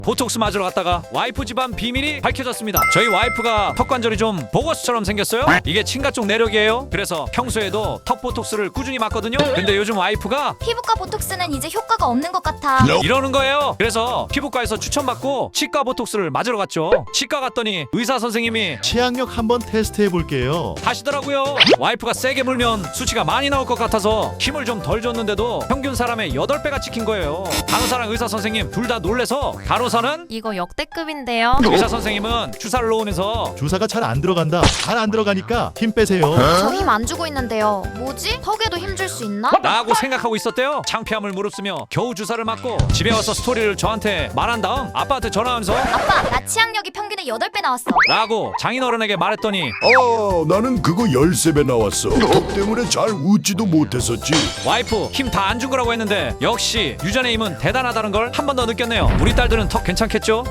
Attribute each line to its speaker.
Speaker 1: 보톡스 맞으러 갔다가 와이프 집안 비밀이 밝혀졌습니다. 저희 와이프가 턱 관절이 좀 보거스처럼 생겼어요. 이게 친가 쪽 내력이에요. 그래서 평소에도 턱 보톡스를 꾸준히 맞거든요. 근데 요즘 와이프가
Speaker 2: 피부과 보톡스는 이제 효과가 없는 것 같아.
Speaker 1: 이러는 거예요. 그래서 피부과에서 추천받고 치과 보톡스를 맞으러 갔죠. 치과 갔더니 의사 선생님이
Speaker 3: 치약력 한번 테스트 해볼게요.
Speaker 1: 하시더라고요. 와이프가 세게 물면 수치가 많이 나올 것 같아서 힘을 좀 덜 줬는데도 평균 사람의 8배가 찍힌 거예요. 간호사랑 의사 선생님 둘 다 놀래서 간호사는
Speaker 4: 이거 역대급인데요.
Speaker 1: 의사 선생님은 주사를 놓으면서
Speaker 3: 주사가 잘 안 들어간다. 잘 안 들어가니까 힘 빼세요.
Speaker 2: 저 힘 안 주고 있는데요. 뭐지? 턱에도 힘 줄 수 있나?
Speaker 1: 라고 생각하고 있었대요. 창피함을 무릅쓰며 겨우 주사를 맞고 집에 와서 스토리를 저한테 말한 다음 아빠한테 전화하면서
Speaker 2: 아빠, 나 치약력이 평균의 8배 나왔어.
Speaker 1: 라고 장인어른에게 말했더니
Speaker 5: 나는 그거 13배 나왔어. 턱 때문에 잘 웃지도 못했었지.
Speaker 1: 와이프 힘 다 안 준 거라고 했는데 역시 유전의 힘은 대단하다는 걸 한 번 더 느꼈네요. 우리 딸들은 턱 괜찮겠죠?